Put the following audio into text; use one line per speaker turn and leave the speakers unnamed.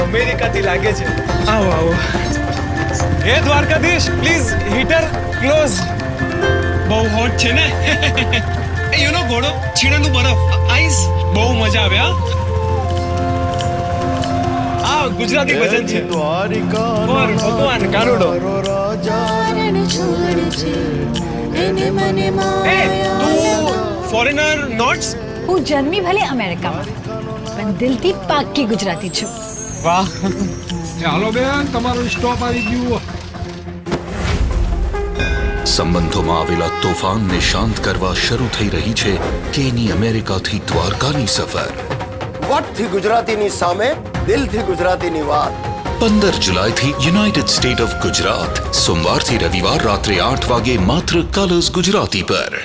અમેરિકાથી લાગે છે. આવો આવો. હે દ્વારકાધીશ, પ્લીઝ હીટર ક્લોઝ. બહુ હોટ છે ને. યુ નો ઘોડો, છીણાનું બરફ, આઈસ, બહુ મજા આવે. આ ગુજરાતી ભજન છે. ઓર ભગવાન કાનુડો. એ તું ફોરેનર નોટ્સ?
હું જન્મી ભલે અમેરિકામાં, પણ દિલથી પાક્કી ગુજરાતી છું.
વાહ.
હાલો બેન, તમારું સ્ટોપ આવી ગયું.
સંબંધોમાં આવેલા તોફાનને શાંત કરવા શરૂ થઈ રહી છે કેની અમેરિકાથી દ્વારકાની સફર.
વટથી ગુજરાતીની સામે, દિલથી ગુજરાતીની વાત.
15 જુલાઈથી યુનાઇટેડ સ્ટેટ ઓફ ગુજરાત. સોમવારથી રવિવાર રાત્રે 8 વાગે માત્ર કલર્સ ગુજરાતી પર.